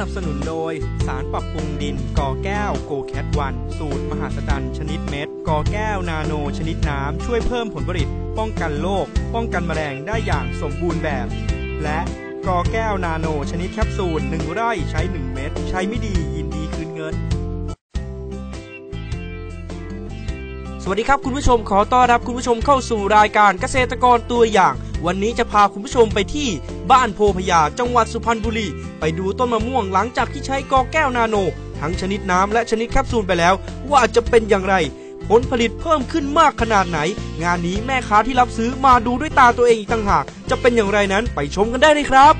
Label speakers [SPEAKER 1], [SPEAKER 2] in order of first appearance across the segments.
[SPEAKER 1] บสนุนโดยสารปรับปรุงดินกอแก้วโกแคทวันสูตรมหาศจรรย์ชนิดเม็ดกอแก้วนาโนชนิดน้ำช่วยเพิ่มผลผลิตป้องกันโรคป้องกันแมลงได้อย่างสมบูรณ์แบบและกอแก้วนาโนชนิดแคปซูล1 ไร่ใช้1 เม็ดใช้ไม่ดียินดีคืนเงินสวัสดีครับคุณผู้ชมขอต้อนรับคุณผู้ชมเข้าสู่รายการเกษตรกรตัวอย่างวันนี้จะพาคุณผู้ชมไปที่บ้านโพพยาจังหวัดสุพรรณบุรีไปดูต้นมะม่วงหลังจากที่ใช้กอแก้วนาโนทั้งชนิดน้ำและชนิดแคปซูลไปแล้วว่าจะเป็นอย่างไรผลผลิตเพิ่มขึ้นมากขนาดไหนงานนี้แม่ค้าที่รับซื้อมาดูด้วยตาตัวเองอีกต่างหากจะเป็นอย่างไรนั้นไปชมกันได้เลยครับ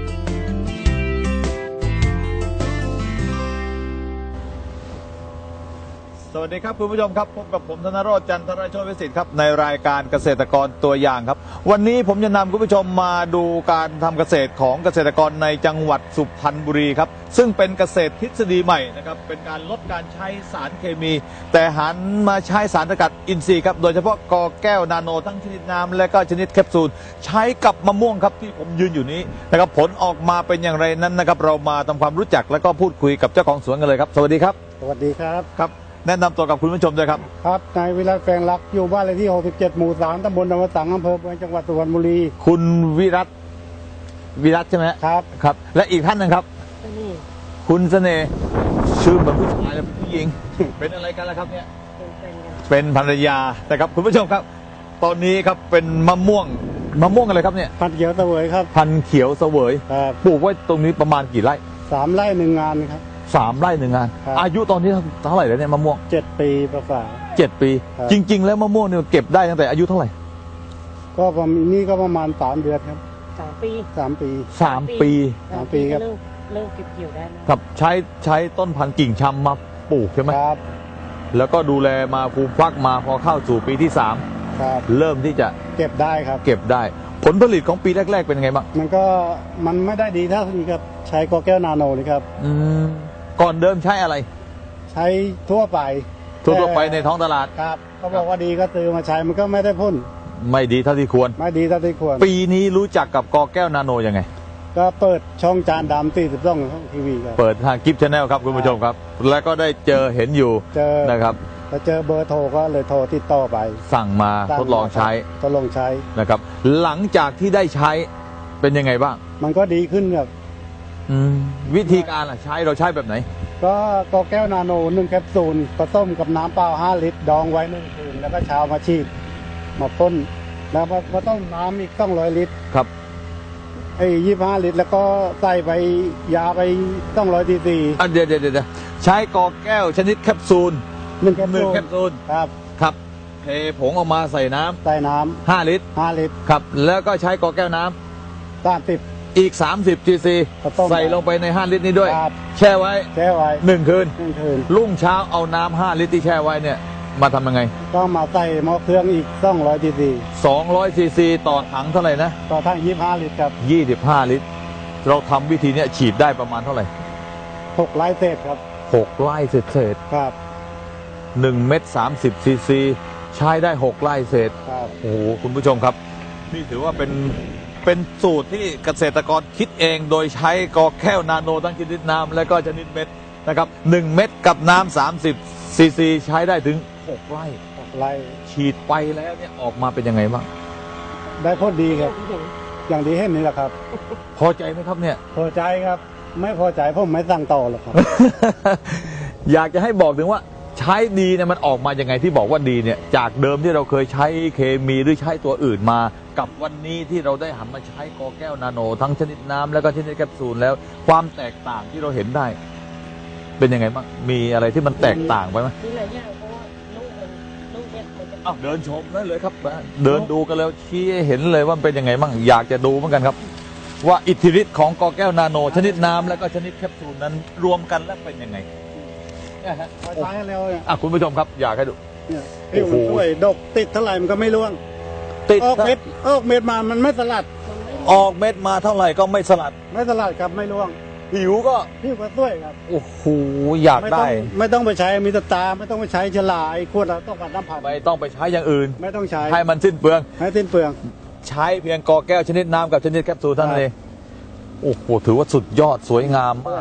[SPEAKER 2] สวัสดีครับคุณผู้ชมครับพบกับผมธนโรจน์จันทรโชติวิสิทธิ์ครับในรายการเกษตรกรตัวอย่างครับวันนี้ผมจะนำคุณผู้ชมมาดูการทำเกษตรของเกษตรกรในจังหวัดสุพรรณบุรีครับซึ่งเป็นเกษตรทฤษฎีใหม่นะครับเป็นการลดการใช้สารเคมีแต่หันมาใช้สารสกัดอินทรีย์ครับโดยเฉพาะกอแก้วนาโนทั้งชนิดน้ำและก็ชนิดแคปซูลใช้กับมะม่วงครับที่ผมยืนอยู่นี้นะครับผลออกมาเป็นอย่างไรนั้นนะครับเรามาทำความรู้จักและก็พูดคุยกับเจ้าของสวนกันเลยครับสวัสดีครับ
[SPEAKER 3] สวัสดีครับ
[SPEAKER 2] ครับแนะนำตัวกับคุณผู้ชมด้วยครับ
[SPEAKER 3] ครับนายวิรัตแปลงรักอยู่บ้านเลขที่67หมู่3ตำบลนวสังอำเภอเมืองจังหวัดสุพรรณบุรี
[SPEAKER 2] คุณวิรัตใช่ไหม
[SPEAKER 3] ครับ
[SPEAKER 2] ครับและอีกท่านหนึ่งครับคุณเสน่ห์ชื่อเหมือนผู้ชายและผู้หญิง เป็นอะไรกันล่ะครับเนี่ยเป็นภรรยานะครับคุณผู้ชมครับตอนนี้ครับเป็นมะม่วงอะไรครับเนี่ย
[SPEAKER 3] พันธุ์เขียวเสวยครับ
[SPEAKER 2] พันธุ์เขียวเสวยปลูกไว้ตรงนี้ประมาณกี่ไร่
[SPEAKER 3] 3 ไร่1 งานครับ
[SPEAKER 2] 3 ไร่1 งานอายุตอนนี้เท่าไหร่แล้วเนี่ยมะม่วง
[SPEAKER 3] 7 ปีประมาณ
[SPEAKER 2] 7 ปีจริงๆแล้วมะม่วงเนี่ยเก็บได้ตั้งแต่อายุเท่าไหร่
[SPEAKER 3] ก็ประมาณ3 เดือนครับ
[SPEAKER 4] 3 ปี
[SPEAKER 2] 3 ปี
[SPEAKER 3] ครับ
[SPEAKER 4] เริ่มเก็บเกี่ยวได้
[SPEAKER 2] ครับใช้ต้นพันธุ์กิ่งชำมาปลูกใช่ไหม
[SPEAKER 3] ครับ
[SPEAKER 2] แล้วก็ดูแลมาปลูกฟักมาพอเข้าสู่ปีที่3
[SPEAKER 3] ครับ
[SPEAKER 2] เริ่มที่จะ
[SPEAKER 3] เก็บได้ครับ
[SPEAKER 2] เก็บได้ผลผลิตของปีแรกๆเป็นไงบ้าง
[SPEAKER 3] มันไม่ได้ดีเท่านี้ครับใช้กอแก้วนาโนนี่ครับ
[SPEAKER 2] ก่อนเดิมใช้อะไร
[SPEAKER 3] ใช้ทั่วไป
[SPEAKER 2] ในท้องตลาด
[SPEAKER 3] ครับเขาบอกว่าดีก็ซื้อมาใช้มันก็ไม่ได้พ้น
[SPEAKER 2] ไม่ดีเท่าที่ควรปีนี้รู้จักกับกอแก้วนาโนยังไง
[SPEAKER 3] ก็เปิดช่องจานดำ42ช่องทีวีครับ
[SPEAKER 2] เปิดทางกิฟต์ชาแนลครับคุณผู้ชมครับแล้วก็ได้เห็นอยู่นะครับ
[SPEAKER 3] พอเจอเบอร์โทรก็เลยโทรติดต่อไป
[SPEAKER 2] สั่งมาทดลองใช้นะครับหลังจากที่ได้ใช้เป็นยังไงบ้าง
[SPEAKER 3] มันก็ดีขึ้นครับ
[SPEAKER 2] วิธีการเราใช้แบบไหน
[SPEAKER 3] ก็กอแก้วนาโน1 แคปซูลผสมกับน้ำเปล่า5 ลิตรดองไว้1 คืนแล้วก็เช้ามาฉีดมาพ่นแล้วมาต้มน้ำอีก200 ลิตร
[SPEAKER 2] ครับ
[SPEAKER 3] 25 ลิตรแล้วก็ใส่ไปยาไป200 ซีซี
[SPEAKER 2] เดี๋ยวใช้กอแก้วชนิดแคปซูล1 แคปซูลครับเทผงออกมาใส่น้ำ5 ลิตรครับแล้วก็ใช้กอแก้วน้
[SPEAKER 3] ำ30
[SPEAKER 2] อีก30 ซีซีใส่ลงไปใน5 ลิตรนี้ด้วยแช่ไว้1 คืนรุ่งเช้าเอาน้ำ5 ลิตรที่แช่ไว้เนี่ยมาทำยังไง
[SPEAKER 3] ก็มาใส่หม้อเครื่องอีก200 ซีซี
[SPEAKER 2] 200 ซีซีต่อถังเท่าไหร่นะ
[SPEAKER 3] ต่อถัง25 ลิตรครับ
[SPEAKER 2] 25 ลิตรเราทำวิธีนี้ฉีดได้ประมาณเท่าไหร่
[SPEAKER 3] 6 ไร่เศษครับ
[SPEAKER 2] 6 ไร่เศษ
[SPEAKER 3] ครับ
[SPEAKER 2] 1 เม็ด30 ซีซีใช้ได้6 ไร่เศษโอ้โหคุณผู้ชมครับนี่ถือว่าเป็นสูตรที่เกษตรกรคิดเองโดยใช้กอแก้วนาโนทั้งชนิดน้ำและก็ชนิดเม็ดนะครับ1 เม็ดกับน้ำ30 ซีซีใช้ได้ถึง6 ไร่ฉีดไปแล้วเนี่ยออกมาเป็นยังไงบ้าง
[SPEAKER 3] ได้ผลดีครับอย่างที่เห็นนี่แหละครับ
[SPEAKER 2] พอใจไหมครับเนี่ย
[SPEAKER 3] พอใจครับไม่พอใจผมไม่สั่งต่อหรอกครับ
[SPEAKER 2] อยากจะให้บอกถึงว่าใช้ดีเนี่ยมันออกมายังไงที่บอกว่าดีเนี่ยจากเดิมที่เราเคยใช้เคมีหรือใช้ตัวอื่นมากับวันนี้ที่เราได้หันมาใช้กอแก้วนาโนทั้งชนิดน้ำแล้วก็ชนิดแคปซูลแล้วความแตกต่างที่เราเห็นได้เป็นยังไงบ้างมีอะไรที่มันแตกต่างไปไหม
[SPEAKER 4] มีหลายอย่างเพราะว่าลูกเนี่ย
[SPEAKER 2] เดินชมได้เลยครับเดินดูกันแล้วชี้เห็นเลยว่าเป็นยังไงบ้างอยากจะดูเหมือนกันครับว่าอิทธิฤทธิ์ของกอแก้วนาโนชนิดน้ำแล้วก็ชนิดแคปซูลนั้นรวมกันแล้วเป็นยังไง
[SPEAKER 3] ใช้แล้ว
[SPEAKER 2] คุณผู้ชมครับอยากให้ดู
[SPEAKER 3] โอ้โหดกติดเท่าไหร่มันก็ไม่ร่วงออกเม็ดมามันไม่สลัด
[SPEAKER 2] ออกเม็ดมาเท่าไหร่ก็ไม่สลัด
[SPEAKER 3] ครับไม่ร่วง
[SPEAKER 2] ผิวก็
[SPEAKER 3] สวยครับ
[SPEAKER 2] โอ้โหอยากได้
[SPEAKER 3] ไม่ต้องไปใช้มีตาไม่ต้องไปใช้ฉลาไอ้ขวดเราต้องการน้ำผัก
[SPEAKER 2] ไม่ต้องไปใช้อย่างอื่น
[SPEAKER 3] ไม่ต้องใช้
[SPEAKER 2] ให้มันสิ้นเปลือง
[SPEAKER 3] ใช้
[SPEAKER 2] เพียงกอแก้วชนิดน้ำกับชนิดแคปซูลเท่านั้นเองโอ้โหถือว่าสุดยอดสวยงามมาก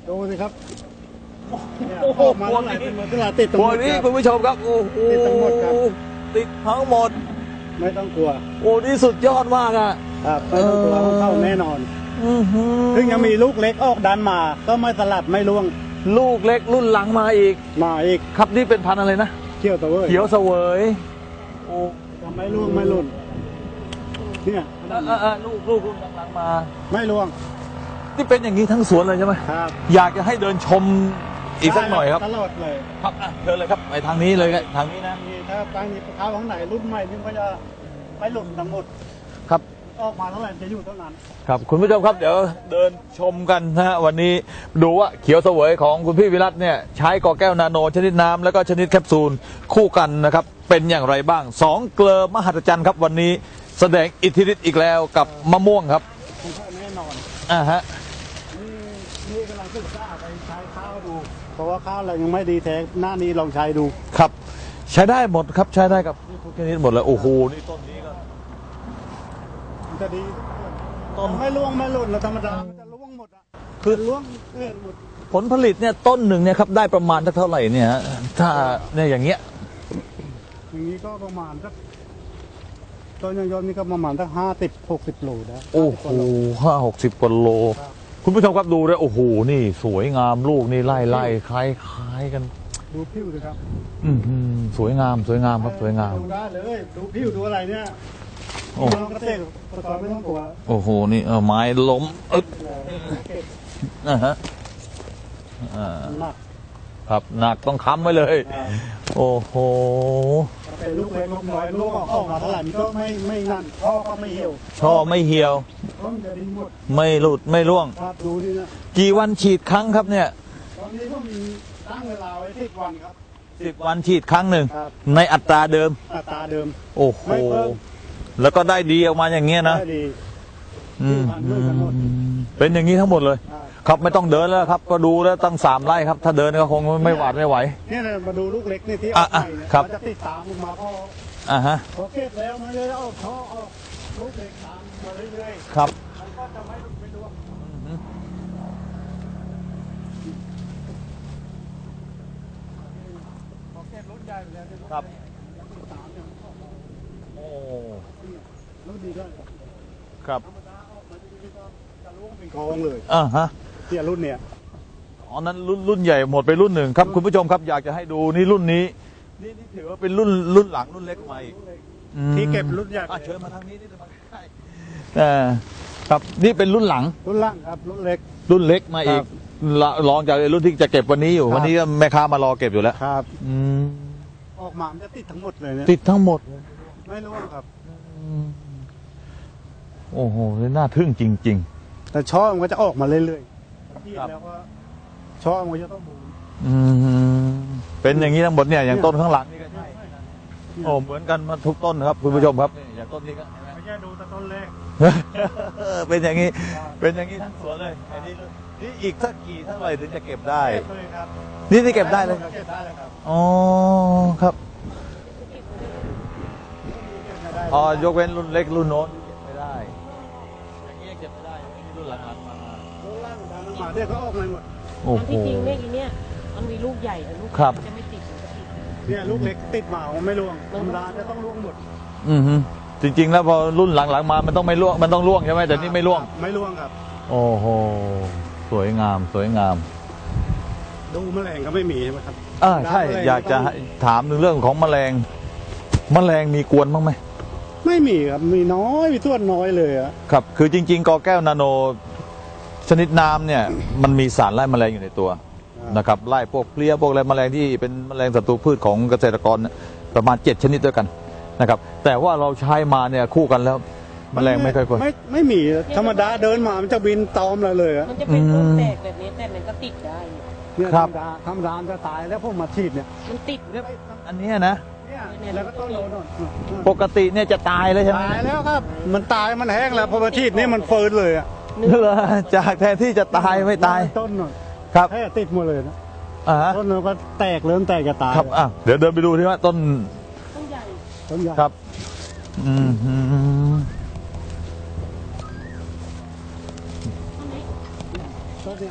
[SPEAKER 3] ดูสิครับเนี่ย
[SPEAKER 2] โอ้โห
[SPEAKER 3] ออกมาเท่าไหร่เป็นหมดเท่าไหร่ติดตรง
[SPEAKER 2] พ
[SPEAKER 3] ห
[SPEAKER 2] ว
[SPEAKER 3] ม
[SPEAKER 2] ก
[SPEAKER 3] ด
[SPEAKER 2] นี้
[SPEAKER 3] ครับ
[SPEAKER 2] คุณผู้ชมครับโอ้โห
[SPEAKER 3] ติดทั้งหมดครับ
[SPEAKER 2] ติดทั้งหมด
[SPEAKER 3] ไม่ต้องกลัว
[SPEAKER 2] โอ้นี่สุดยอดมากอ่ะ
[SPEAKER 3] ครับไม่ต้องกลัวเข้าแน่นอน ถึงยังมีลูกเล็กออกดันมา ก็ไม่สลัดไม่ร่วง
[SPEAKER 2] ลูกเล็กรุ่นหลังมาอีก
[SPEAKER 3] มาอีก
[SPEAKER 2] ครับนี่เป็นพันธุ์อะไรนะ
[SPEAKER 3] เขี้ยวตะเวย
[SPEAKER 2] เขียวเสวยโอ้
[SPEAKER 3] จะไม่ร่วงไม่หล่นเนี่ย
[SPEAKER 2] ลูกรุ่นหลังๆมา
[SPEAKER 3] ไม่ร่วง
[SPEAKER 2] นี่เป็นอย่างนี้ทั้งสวนเลยใช่ไหม
[SPEAKER 3] ครับ
[SPEAKER 2] อยากจะให้เดินชมอีกสักหน่อยครับ
[SPEAKER 3] ตลอดเลย
[SPEAKER 2] ครับเชิญเลยครับไปทางนี้เลยครับทางนี้นะ
[SPEAKER 3] นี่ถ้าตั้งนี้ข้าวข้างไหนรุ่นใหม่นี่ก็จะไม่หล่นทั้งหมด
[SPEAKER 2] ครับ
[SPEAKER 3] ออกมาเท่าไหร่จะอยู่เท่านั้น
[SPEAKER 2] ครับคุณผู้ชมครับเดี๋ยวเดินชมกันนะฮะวันนี้ดูว่าเขียวเสวยของคุณพี่วิรัตเนี่ยใช้กอแก้วนาโนชนิดน้ำแล้วก็ชนิดแคปซูลคู่กันนะครับเป็นอย่างไรบ้างสองเกลอมหัศจรรย์ครับวันนี้แสดงอิทธิฤทธิ์อีกแล้วกับมะม่วงครับ
[SPEAKER 3] ผมก็แน่นอน
[SPEAKER 2] ฮะ
[SPEAKER 3] นี่กำลังศึกษาไปใช้ข้าวดู เพราะว่าข้าวเรายังไม่ดีแท้หน้านี้ลองใช้ดู
[SPEAKER 2] ครับใช้ได้หมดครับใช้ได้กับทุกชนิดหมดเลยโอ้โหนี่ต้นนี้ก็
[SPEAKER 3] มันจะดี
[SPEAKER 2] ต้น
[SPEAKER 3] ไม่ร่วงไม่หล่นแล้วธรรมดามันจะร่วงหมดอ่ะ
[SPEAKER 2] คือ
[SPEAKER 3] ร่วงเกลื่อนหมด
[SPEAKER 2] ผลผลิตเนี่ยต้นหนึ่งเนี่ยครับได้ประมาณสักเท่าไหร่เนี่ยฮะถ้าเนี่ยอย่างเงี้ย
[SPEAKER 3] อย่างนี้ก็ประมาณสักต้นยนต์นี่ก็ประมาณสัก50-60 โลนะ
[SPEAKER 2] โอ้โห50-60 กว่าโล คุณผู้ชมครับดูด้วยโอ้โหนี่สวยงามลูกนี่ไล่คล้ายกัน
[SPEAKER 3] ดูผิวเลยครับ
[SPEAKER 2] สวยงามครับสวยงาม
[SPEAKER 3] ดูได้เลยดูผิวดูอะไรเนี่ย
[SPEAKER 2] โอ้
[SPEAKER 3] น้องเกษตรกรไม่ต้องกลัว
[SPEAKER 2] โอ้โหนี่ไม้ล้มนะฮะ
[SPEAKER 3] หนัก
[SPEAKER 2] ครับหนักต้องค้ำไว้เลย โอ้โห
[SPEAKER 3] เป็นลูกเล็กลูกน้อยลูกออกมาเท่าไหร่มันก็ไม่นั่นพ่อก็ไม่เหี่ยว
[SPEAKER 2] ช่อไม่เหี่ยว
[SPEAKER 3] ต้นจะดีหมด
[SPEAKER 2] ไม่หลุดไม่ร่วง
[SPEAKER 3] ครับดูนี่นะ
[SPEAKER 2] กี่วันฉีดครั้งครับเนี่ย
[SPEAKER 3] ตอนนี้ก็มีตั้งเวลาไว้10 วันครับ
[SPEAKER 2] 10 วันฉีดครั้งหนึ่ง
[SPEAKER 3] ครับ
[SPEAKER 2] ในอัตราเดิม
[SPEAKER 3] อัตราเดิม
[SPEAKER 2] โอ้โห
[SPEAKER 3] ไม่เพิ่ม
[SPEAKER 2] แล้วก็ได้ดีออกมาอย่างเงี้ยนะ
[SPEAKER 3] ได้ดี
[SPEAKER 2] อืม
[SPEAKER 3] ผ่านมือกันหมด
[SPEAKER 2] เป็นอย่างนี้ทั้งหมดเลย
[SPEAKER 3] ครับ
[SPEAKER 2] ครับไม่ต้องเดินแล้วครับก็ดูแล้วตั้ง3 ไร่ครับ ถ้าเดินก็คงไม่หวาดไม่ไหว
[SPEAKER 3] เนี่ยนะมาดูลูกเล็กนี่ที่อ
[SPEAKER 2] อ่ะ
[SPEAKER 3] อกใหม่เนี่ย
[SPEAKER 2] ครับ
[SPEAKER 3] มันจะติดตามลงมาพอ
[SPEAKER 2] ฮะ
[SPEAKER 3] พอเก็บแล้วมันจะออกช่อออกลูกเล็กตามมาเรื่อย
[SPEAKER 2] ครับ
[SPEAKER 3] ๆมันก็จะไม่หลุดไม่ร่วงพอเก็บรุ่นใหญ่ไปแล้วเนี่ย
[SPEAKER 2] ครับ
[SPEAKER 3] ติดตามเนี่ย
[SPEAKER 2] โอ้
[SPEAKER 3] รุ่นดีด้วย
[SPEAKER 2] ครับ
[SPEAKER 3] ธรรมดาออกมาดีๆก็จะร่วงเป็นกองเลย
[SPEAKER 2] ฮะ
[SPEAKER 3] เนี่ยรุ่นเนี่ย
[SPEAKER 2] อ๋อนั้นรุ่นใหญ่หมดไปรุ่นหนึ่งครับคุณผู้ชมครับอยากจะให้ดูนี่รุ่นนี้นี่ถือว่าเป็นรุ่นหลังรุ่นเล็กมาอีกอืม
[SPEAKER 3] ที่เก็บรุ่นใหญ่
[SPEAKER 2] เชิญมาทางนี้นี่มาใกล้ครับนี่เป็นรุ่นหลัง
[SPEAKER 3] รุ่นล่างครับรุ่นเล็ก
[SPEAKER 2] รุ่นเล็กมาอีก
[SPEAKER 3] ครับ
[SPEAKER 2] ลองจากรุ่นที่จะเก็บวันนี้อยู่
[SPEAKER 3] ครับ
[SPEAKER 2] วันนี้ก็แม่ค้ามารอเก็บอยู่แล้ว
[SPEAKER 3] ครับ
[SPEAKER 2] อืม
[SPEAKER 3] ออกมามันจะติดทั้งหมดเลยเนี่ย
[SPEAKER 2] ติดทั้งหมด
[SPEAKER 3] ไม่ร่วงครับ
[SPEAKER 2] โอ้โหนี่น่าทึ่งจริง
[SPEAKER 3] แต่ช่อมันก็จะออกมาเรื่อยๆที่
[SPEAKER 2] ครับ
[SPEAKER 3] แล้วก็ช่อมันจะต้องบูม
[SPEAKER 2] ๆเป็นอย่างนี้ทั้งหมดเนี่ยอย่างต้นข้างหลังนี่ก็ใช่โอ้เหมือนกันมาทุกต้นครับคุณผู้ชมครับนี่อย่างต้นนี้ก็
[SPEAKER 3] ไม่ใช่ดูแต่ต้นแรก
[SPEAKER 2] เป็นอย่างนี้ เป็นอย่างนี้ทั้งสวนเลยอันนี้นี่อีกสักกี่เท่าไหร่ถึงจะเก็บได้
[SPEAKER 3] เก็บเลยครับ
[SPEAKER 2] นี่เก็บได้เลย
[SPEAKER 3] เก็บได้เลยครับ
[SPEAKER 2] อ๋อครับ
[SPEAKER 3] เก็บไม่ได้
[SPEAKER 2] อ๋อยกเว้นรุ่นเล็กรุ่นโน้นเก็บไม่ได้อย่างนี้เก็บไม่ได้นี่รุ่นหลังๆมา
[SPEAKER 3] รุ่นล่างดันลงมาเดี๋ยวก็ออกมาหมด
[SPEAKER 2] โอ้
[SPEAKER 4] มัน
[SPEAKER 2] โห
[SPEAKER 4] ที่จริงเนี่ยอีเนี่ยมันมีลูกใหญ่แต่ลูก
[SPEAKER 2] ครับ
[SPEAKER 4] มันจะไม่ติดมันจะติด
[SPEAKER 3] เนี่ยลูกเล็กติดหมามันไม่ร่วงธรรมดาจะต้องร่วงหมด
[SPEAKER 2] จริงๆแล้วพอรุ่นหลังๆมามันต้องไม่ร่วงมันต้องร่วงใช่ไหมแต่นี่ไม่ร่วง
[SPEAKER 3] ไม่ร่วงครับ
[SPEAKER 2] โอ้โหสวยงามสวยงาม
[SPEAKER 3] ดูแมลงก็ไม่มีใช่ไหมครับ
[SPEAKER 2] ใช่อยากจะถามถึงเรื่องของแมลงมีกวนบ้างไหม
[SPEAKER 3] ไม่มีครับมีน้อยมีส่วนน้อยเลยอะ
[SPEAKER 2] ครับคือจริงๆกอแก้วนาโนชนิดน้ำเนี่ยมันมีสารไล่แมลงอยู่ในตัวนะครับไล่พวกเพลี้ยพวกอะไรแมลงที่เป็นแมลงศัตรูพืชของเกษตรกรเนี่ยประมาณ7 ชนิดด้วยกันนะครับแต่ว่าเราใช้มาเนี่ยคู่กันแล้วแมลงไม่ค่อยกวน
[SPEAKER 3] ไม่มีธรรมดาเดินมามันจะบินตอมเราเลยอะ
[SPEAKER 4] มันจะเป็นต้นแตกแบบนี้แต่มันก็ติดได้อยู่
[SPEAKER 3] เนี่ยธรรมดาจะตายแล้วพวกมาฉีดเนี่ย
[SPEAKER 4] มันติดเนี่ย
[SPEAKER 2] อันเนี้ยนะ
[SPEAKER 3] เนี่ยแล้วก็ต้นโดน
[SPEAKER 2] ปกติเนี่ยจะตายเลยใช่ไหม
[SPEAKER 3] ตายแล้วครับ มันตายมันแห้งแล้วพอมาฉีดนี่มันเฟิร์นเลยอะ
[SPEAKER 2] เหรอจากแทนที่จะตายไม่ตาย
[SPEAKER 3] ต้นหน่อย
[SPEAKER 2] ครับ
[SPEAKER 3] แค่ติดหมดเลยนะ
[SPEAKER 2] ฮะ
[SPEAKER 3] ต้นมันก็แตกเริ่มแตกจะตาย
[SPEAKER 2] ครับเดี๋ยวเดินไปดูที่ว่าต้น
[SPEAKER 4] ต้นใหญ่
[SPEAKER 3] ต้นใหญ่
[SPEAKER 2] ครับอืม
[SPEAKER 4] ต้นนี้
[SPEAKER 3] ต้นเนี่ย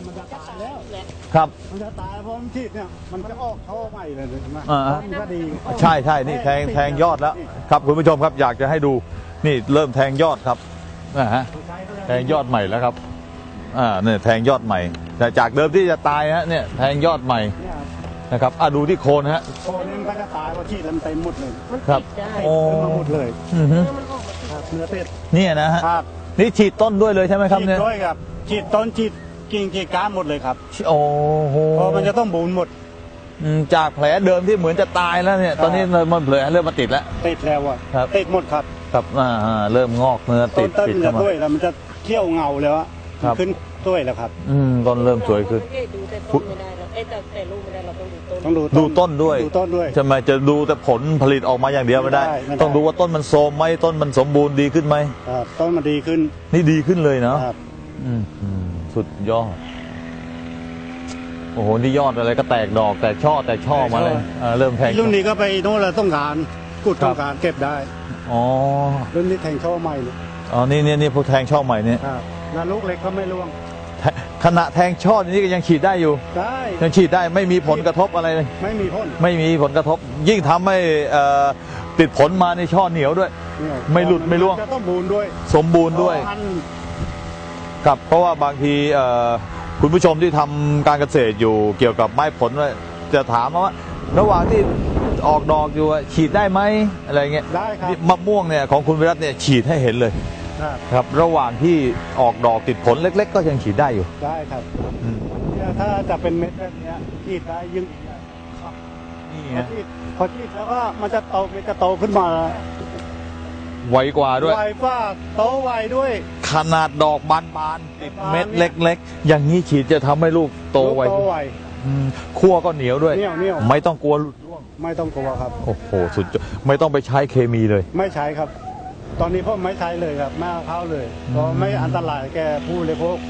[SPEAKER 3] มันจะตายแล้ว
[SPEAKER 2] ครับ
[SPEAKER 3] มันจะตายเพราะมันฉีดเนี่ยมันจะออกท่อใหม่เลยใช่ไหม
[SPEAKER 2] อ่า
[SPEAKER 3] มันก็ดี
[SPEAKER 2] ใช่ใช่นี่แทงยอดแล้วครับคุณผู้ชมครับอยากจะให้ดูนี่เริ่มแทงยอดครับนะฮะแทงยอดใหม่แล้วครับเนี่ยแทงยอดใหม่แต่จากเดิมที่จะตายฮะเนี่ยแทงยอดใหม่
[SPEAKER 3] เนี่ย
[SPEAKER 2] นะครับดูที่โคนฮะ
[SPEAKER 3] โคนนี้มันก็จะตายเพราะฉีดแล้วมันเต็มหมดเลย
[SPEAKER 4] มัน
[SPEAKER 2] ครับ
[SPEAKER 4] ติดได้
[SPEAKER 2] โอ้
[SPEAKER 3] ขึ้นมาหมดเลย
[SPEAKER 2] อือฮึ
[SPEAKER 4] เนื้อมันออกมาติด
[SPEAKER 3] ครับเนื้อเป็ด
[SPEAKER 2] เนี่ยนะฮะ
[SPEAKER 3] ครับ
[SPEAKER 2] นี่ฉีดต้นด้วยเลยใช่ไหมครับ
[SPEAKER 3] ฉีด
[SPEAKER 2] เนี่ย
[SPEAKER 3] ด้วยครับฉีดต้นฉีดกิ่งฉีดก้านหมดเลยครับ
[SPEAKER 2] โอ้โห
[SPEAKER 3] เพราะมันจะต้องบูนหมด
[SPEAKER 2] จากแผลเดิมที่เหมือนจะตายแล้วเนี่ยตอนนี้มันแผลเริ่มมาติดแล้ว
[SPEAKER 3] ติดแล้วอ่ะ
[SPEAKER 2] ครับ
[SPEAKER 3] ติดหมดครับ
[SPEAKER 2] ครับเริ่มงอกเนื้อ
[SPEAKER 3] ต้
[SPEAKER 2] ติ
[SPEAKER 3] น
[SPEAKER 2] ด
[SPEAKER 3] ต้น
[SPEAKER 2] ปิด
[SPEAKER 3] มัน
[SPEAKER 2] เข้า
[SPEAKER 3] จะ
[SPEAKER 2] มา
[SPEAKER 3] ด้วยแล้วมันจะเขี้ยวเงาแล้วอะ
[SPEAKER 2] ครับ
[SPEAKER 3] ขึ้นด้วยแล้วครับ
[SPEAKER 2] ต้นเริ่มสวยขึ้น
[SPEAKER 4] ดูแต่ต้นไม่ได้เราแต่ลูกไม่ได้เราต้องดูต้น
[SPEAKER 3] ต้อง
[SPEAKER 2] ดูต้นด้วย
[SPEAKER 3] ดูต้นด้วย
[SPEAKER 2] ใช่ไหมจะดูแต่ผลผลิตออกมาอย่างเดียวไม่ได้
[SPEAKER 3] ไม่ได้
[SPEAKER 2] ต้องดูว่าต้นมันโทรมไหมต้นมันสมบูรณ์ดีขึ้นไหม
[SPEAKER 3] ครับต้นมันดีขึ้น
[SPEAKER 2] นี่ดีขึ้นเลยเนาะ
[SPEAKER 3] ครับ
[SPEAKER 2] สุดยอดโอ้โหนี่ยอดอะไรก็แตกดอกแตกช่อมาเลยเริ่มแทง
[SPEAKER 3] รุ่นนี้ก็ไปโน่นแล้วต้องการกุด
[SPEAKER 2] ครับ
[SPEAKER 3] ต้องการเก็บได้
[SPEAKER 2] อ๋อ
[SPEAKER 3] รุ่นนี้แทงช่อใหม่เลย
[SPEAKER 2] อ๋อนี่พวกแทงช่อใหม่เนี่ย
[SPEAKER 3] ครับแล้วลูกเล็กก็ไม่ร่วง
[SPEAKER 2] ขณะแทงช่อนี้ก็ยังฉีดได้อยู่
[SPEAKER 3] ได้
[SPEAKER 2] ยังฉีดได้ไม่มีผลกระทบอะไรเลย
[SPEAKER 3] ไม่มีพ่น
[SPEAKER 2] ไม่มีผลกระทบ ยิ่งทำให้ติดผลมาในช่อเหนียวด้วย
[SPEAKER 3] เนี่ย
[SPEAKER 2] ไม่หลุดไม่ร่วง
[SPEAKER 3] จะต้องบูนด้วย
[SPEAKER 2] สมบูรณ์ด้วย
[SPEAKER 3] พัน
[SPEAKER 2] ครับเพราะว่าบางทีคุณผู้ชมที่ทำการเกษตรอยู่เกี่ยวกับไม้ผลว่าจะถามว่าระหว่างที่ออกดอกอยู่ฉีดได้ไหมอะไรเงี้ย
[SPEAKER 3] ได้ครับ
[SPEAKER 2] นี่มะม่วงเนี่ยของคุณวิรัตเนี่ยฉีดให้เห็นเลย
[SPEAKER 3] ครับ
[SPEAKER 2] ครับระหว่างที่ออกดอกติดผลเล็ก ๆ ก็ยังฉีดได้อยู่
[SPEAKER 3] ได้ครับ
[SPEAKER 2] อืม
[SPEAKER 3] เนี่ยถ้าจะเป็นเม็ดแบบเนี้ยฉีดได้ยิ่ง
[SPEAKER 2] นี่
[SPEAKER 3] พอ
[SPEAKER 2] ฮะ
[SPEAKER 3] ฉีดแล้วก็มันจะโตมันจะโตขึ้นมา
[SPEAKER 2] ไวกว่าด้วย
[SPEAKER 3] ไวฟ้าโตไวด้วย
[SPEAKER 2] ขนาดดอกบานๆติดเม็ดเล็ก ๆ อย่างนี้ฉีดจะทำให้ลูกโตไว
[SPEAKER 3] ลูกโตไว
[SPEAKER 2] คั่วก็เหนียวด้วย
[SPEAKER 3] เหนียว
[SPEAKER 2] ไม่ต้องกลัวหลุดร่วง
[SPEAKER 3] ไม่ต้องกลัวครับ
[SPEAKER 2] โอ้โหสุดยอดไม่ต้องไปใช้เคมีเลย
[SPEAKER 3] ไม่ใช้ครับ ตอนนี้พ่อไม่ใช้เลยครับไม่เอาเข้าเลยเพราะไม่อันตรายแกผู้เลยพวก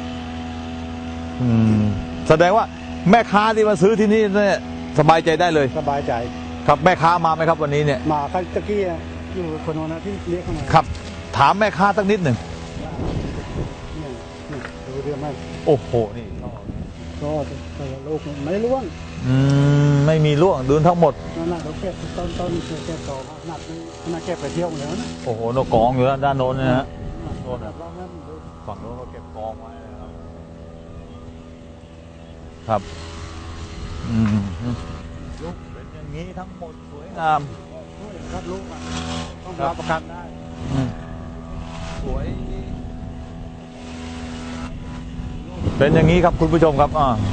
[SPEAKER 2] แสดงว่าแม่ค้าที่มาซื้อที่นี่เนี่ยสบายใจได้เลย
[SPEAKER 3] สบายใจ
[SPEAKER 2] ครับแม่ค้ามาไหมครับวันนี้เนี่ย
[SPEAKER 3] หมาคันตะกี้อยู่คนโน้นนะที่เรียกเข้ามา
[SPEAKER 2] ครับ ถามแม่ค้าสักนิดหนึ่ง
[SPEAKER 3] เนี่ยนี่ดูเรื่องไหม
[SPEAKER 2] โอ้โหนี่
[SPEAKER 3] ก็แต่ละลูกไม่ร่วง
[SPEAKER 2] ไม่มีร่วงดูทั้งหมด
[SPEAKER 3] นั่นน่ะเราเก็บต้นเก็บดอกขนาดนี้ขนาดเก็บไปเที่ยวแล้วนะ
[SPEAKER 2] โอ้โหนกกองอยู่ด้านโน้นนะฮะ
[SPEAKER 3] โดนแบบเราเนี่ยดู
[SPEAKER 2] ฝั่งโน้นก็เก็บกองไว้นะครับครับลูกเป็นอย่างนี้ทั้งหมดสวยงาม
[SPEAKER 3] ครับลูกอ่ะต้องรับประกันได้
[SPEAKER 2] สวย เป็นอย่างนี้ครับคุณผู้ชมครับ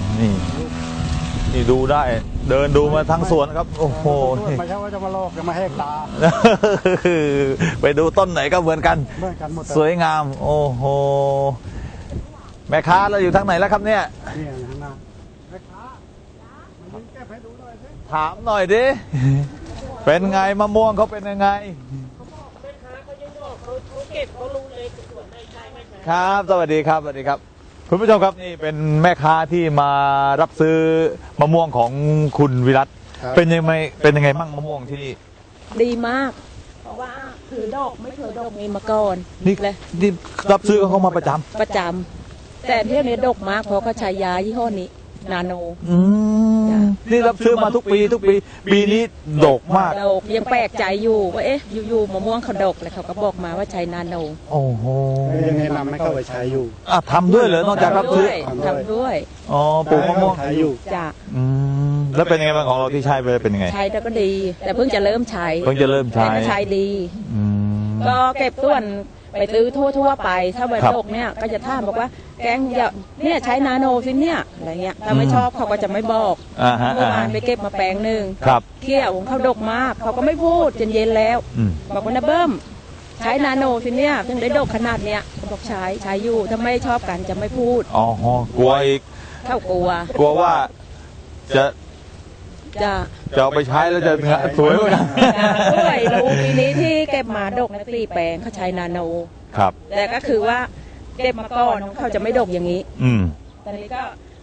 [SPEAKER 2] นี่ดูได้ เดินดูมาทั้งสวนครับ โอ้โหนี่
[SPEAKER 3] ไม่ใช่ว่าจะมาลอกจะมาแหกตา
[SPEAKER 2] ไปดูต้นไหนก็เหมือนกัน
[SPEAKER 3] เหมือนกันหมด
[SPEAKER 2] สวยงาม โอ้โหแม่ค้าเราอยู่ทางไหนแล้วครับเนี่ย
[SPEAKER 3] เนี่ยนะนะแม่ค้ามันเก็บให้ดูหน่อยสิ
[SPEAKER 2] ถามหน่อยดิ เป็นไงมะม่วงเขาเป็นยังไง
[SPEAKER 4] แม่ค้าเขายังบอกเขาเก็บเขารู้เลยส่วนไหนใช่ไม่ใช่
[SPEAKER 2] ครับ สวัสดีครับ สวัสดีครับ คุณผู้ชมครับนี่เป็นแม่ค้าที่มารับซื้อมะม่วงของคุณวิรัตเป็นยังไงบ้างมะม่วงที่นี่
[SPEAKER 4] ดีมาก เพราะว่าถือดอกไม่เคยดอกนี้มาก่อน
[SPEAKER 2] นี่
[SPEAKER 4] เลย
[SPEAKER 2] นี่รับซื้อเขามาประจ
[SPEAKER 4] ประจำแต่เที่ยวนี้ดกมากเพราะเขาใช้ยายี่ห้อนี้ นาโน
[SPEAKER 2] ำ
[SPEAKER 4] จ้ะ
[SPEAKER 2] นี่รับซื้อมาทุกปี ปีนี้ดกมาก
[SPEAKER 4] ดกยังแปลกใจอยู่ว่าเอ๊ะอยู่ๆมะม่วงเขาดกเลยเขาก็บอกมาว่าใช้นาโน
[SPEAKER 2] โอ้โห
[SPEAKER 3] ยังแนะนำให้เข้าไปใช้อยู่
[SPEAKER 2] ทำด้วยเหรอนอกจากรับซื้อ
[SPEAKER 4] ทำด้วย
[SPEAKER 2] อ๋อปลูกมะม่วง
[SPEAKER 3] ใช้อยู่
[SPEAKER 4] จ้ะ
[SPEAKER 2] แล้วเป็นยังไงบ้างของเราที่ใช้ไปเป็นยังไง
[SPEAKER 4] ใช้แล้วก็ดี แต่เพิ่งจะเริ่มใช้
[SPEAKER 2] เพิ่งจะเริ่มใช้
[SPEAKER 4] แต่ก็ใช้ดี
[SPEAKER 2] อืม
[SPEAKER 4] ก็เก็บส่วนไปซื้อทั่วๆไป ถ้าวัน
[SPEAKER 2] ครับ
[SPEAKER 4] ตกเนี่ยก็จะถามบอกว่าแกงอย่าเนี่ยใช้นาโนสิเนี่ยอะไรเงี้ยถ้าไม่ชอบเขาก็จะไม่บอก
[SPEAKER 2] ฮะ
[SPEAKER 4] เมื่อวานไปเก็บมาแปลงหนึ่ง
[SPEAKER 2] ครับ
[SPEAKER 4] เขี้ยวของเขาดกมาก เขาก็ไม่พูดจนเย็นแล้ว
[SPEAKER 2] อืม
[SPEAKER 4] บอกว่านะเบิ้มใช้นาโนสิเนี่ยถึงได้ดกขนาดเนี้ยเขาบอกใช้อยู่ถ้าไม่ชอบกันจะไม่พูด
[SPEAKER 2] อ๋อกลัวอีก
[SPEAKER 4] เข้ากลัว
[SPEAKER 2] กลัวว่าจะ
[SPEAKER 4] จะ
[SPEAKER 2] เอาไปใช้แล้วจะสวยเหมือนกัน
[SPEAKER 4] ด้วยรู้ปีนี้ที่เก็บมาดกใน4แปลงเขาใช้นาโน
[SPEAKER 2] ครับ
[SPEAKER 4] แต่ก็คือว่าเก็บมาก่อนเขาจะไม่ดกอย่างนี้
[SPEAKER 2] อืม
[SPEAKER 4] ตอนนี้ก็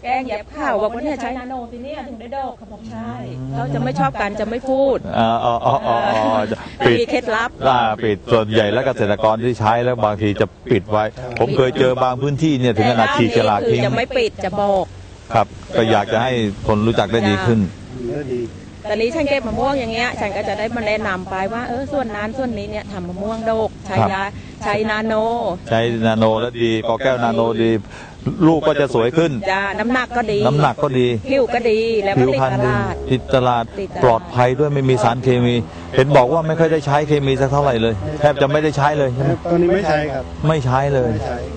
[SPEAKER 4] แกงแยบข้าวบอกว่าเนี่ยใช้นาโนสิเนี่ยถึงได้ดอกเขาบอกใช่เขาจะไม่ชอบกันจะไม่พูด
[SPEAKER 2] ปิด
[SPEAKER 4] มีเคล็ดลับ
[SPEAKER 2] ปิดส่วนใหญ่แล้วเกษตรกรที่ใช้แล้วบางทีจะปิดไว้ ผมเคยเจอบางพื้นที่เนี่ยถึงขนาดฉีกฉลากทิ้ง
[SPEAKER 4] จะไม่ปิดจะบอก
[SPEAKER 2] ครับก็อยากจะให้คนรู้จักได้ดีขึ้น
[SPEAKER 4] ตอนนี้ฉันเก็บมะม่วงอย่างเงี้ยฉันก็จะได้มาแนะนำไปว่าส่วนนั้นส่วนนี้เนี่ยทำมะม่วงโดกใช้นาโน
[SPEAKER 2] แล้วดีกอแก้วนาโนดีลูกก็จะสวยขึ้น
[SPEAKER 4] จ้าน้ำหนักก็ดีผิวก็ดีแล้วก็
[SPEAKER 2] ติดตลาดปลอดภัยด้วยไม่มีสารเคมีเห็นบอกว่าไม่ค่อยได้ใช้เคมีสักเท่าไหร่เลยแทบจะไม่ได้ใช้เลยใช่ไหม
[SPEAKER 3] ตอนนี้ไม่ใช้ครับ
[SPEAKER 2] ไม่ใช้เลย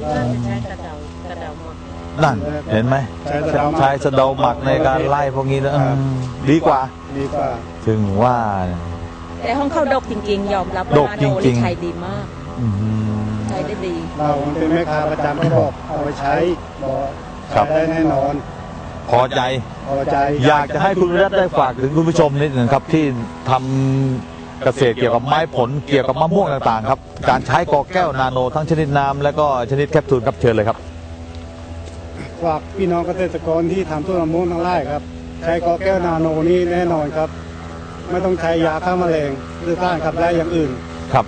[SPEAKER 2] นั่นเห็นไหมใช้สะเดาหมักในการไล่พวกนี้นะดีกว่าถึงว่า
[SPEAKER 4] แต่ห้องเข้าดกจริงๆยอมรับ
[SPEAKER 2] ว่านาโน
[SPEAKER 4] ใช้ดีมากใช้ได้ดี
[SPEAKER 3] เราเป็นแม่ค้าประจำก็บอกเอาไปใช้บอกได้แน่นอน
[SPEAKER 2] พอใจอยากจะให้คุณวิรัตได้ฝากถึงคุณผู้ชมนิดหนึ่งครับที่ทำเกษตรเกี่ยวกับไม้ผลเกี่ยวกับมะม่วงต่างๆครับการใช้กอแก้วนาโนทั้งชนิดน้ำและก็ชนิดแคปซูลครับเชิญเลยครับ
[SPEAKER 3] ฝากพี่น้องเกษตรกรที่ทำต้นมะม่วงทั้งไร่ครับใช้กอแก้วนาโนนี่แน่นอนครับไม่ต้องใช้ยาฆ่าแมลงหรือสารขับไล่อย่างอื่น
[SPEAKER 2] ครับ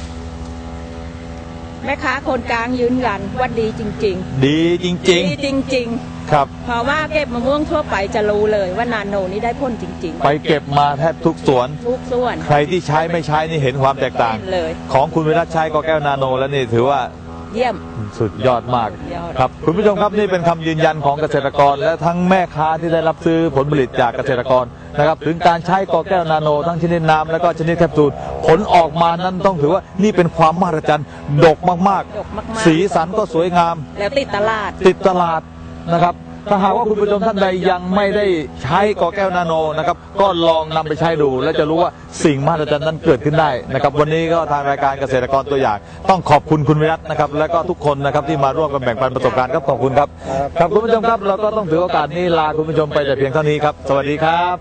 [SPEAKER 4] แม่ค้าคนกลางยืนยันว่าดีจริง
[SPEAKER 2] ๆดีจริงๆครับ
[SPEAKER 4] เพราะว่าเก็บมะม่วงทั่วไปจะรู้เลยว่านาโนนี่ได้ผลจริง
[SPEAKER 2] ๆไปเก็บมาแทบทุกสวนใครที่ใช้ไม่ใช้นี่เห็นความแตกต่างของคุณวิรัตใช้กอแก้วนาโนแล้วนี่ถือว่า
[SPEAKER 4] เยี่ยม
[SPEAKER 2] สุดยอดมากครับคุณผู้ชมครับนี่เป็นคำยืนยันของเกษตรกรและทั้งแม่ค้าที่ได้รับซื้อผลผลิตจากเกษตรกรนะครับถึงการใช้กอแก้วนาโนทั้งชนิดน้ำและก็ชนิดแคปซูลผลออกมานั้นต้องถือว่านี่เป็นความมหัศจรรย์ดกมากๆสีสันก็สวยงาม
[SPEAKER 4] แล้วติดต
[SPEAKER 2] ลาดนะครับถ้าหากว่าคุณผู้ชมท่านใดยังไม่ได้ใช้กอแก้วนาโนนะครับก็ลองนำไปใช้ดูและจะรู้ว่าสิ่งมหัศจรรย์นั้นเกิดขึ้นได้นะครับวันนี้ก็ทางรายการเกษตรกรตัวอย่างต้องขอบคุณคุณวิรัตนะครับและก็ทุกคนนะครับที่มาร่วมกันแบ่งปันประสบการณ์ครับขอบคุณครับครับคุณผู้ชมครับเราก็ต้องถือโอกาสนี้ลาคุณผู้ชมไปแต่เพียงเท่านี้ครับสวัสดีครับ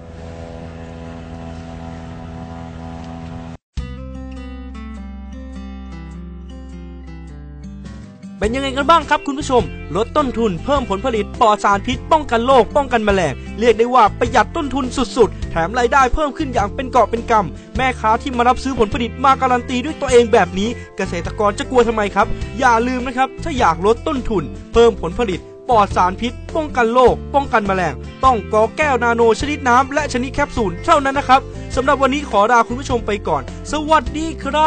[SPEAKER 1] เป็นยังไงกันบ้างครับคุณผู้ชมลดต้นทุนเพิ่มผลผลิตปลอดสารพิษป้องกันโรคป้องกันแมลงเรียกได้ว่าประหยัดต้นทุนสุดๆแถมรายได้เพิ่มขึ้นอย่างเป็นกอบเป็นกำแม่ค้าที่มารับซื้อผลผลิตมาการันตีด้วยตัวเองแบบนี้เกษตรกรจะกลัวทำไมครับอย่าลืมนะครับถ้าอยากลดต้นทุนเพิ่มผลผลิตปลอดสารพิษป้องกันโรคป้องกันแมลงต้องกอแก้วนาโนชนิดน้ำและชนิดแคปซูลเท่านั้นนะครับสำหรับวันนี้ขอลาคุณผู้ชมไปก่อนสวัสดี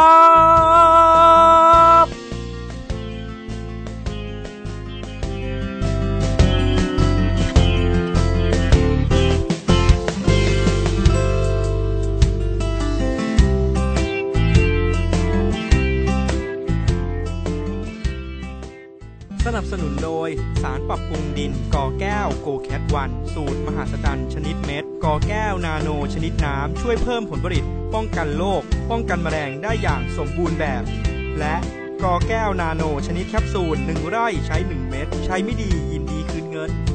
[SPEAKER 1] ครับสนับสนุนโดยสารปรับปรุงดินกอแก้วโกแคทวันสูตรมหาศาลชนิดเม็ดกอแก้วนาโนชนิดน้ำช่วยเพิ่มผลผลิตป้องกันโรคป้องกันแมลงได้อย่างสมบูรณ์แบบและกอแก้วนาโนชนิดแคปซูล1 ไร่ใช้1 เม็ดใช้ไม่ดียินดีคืนเงิน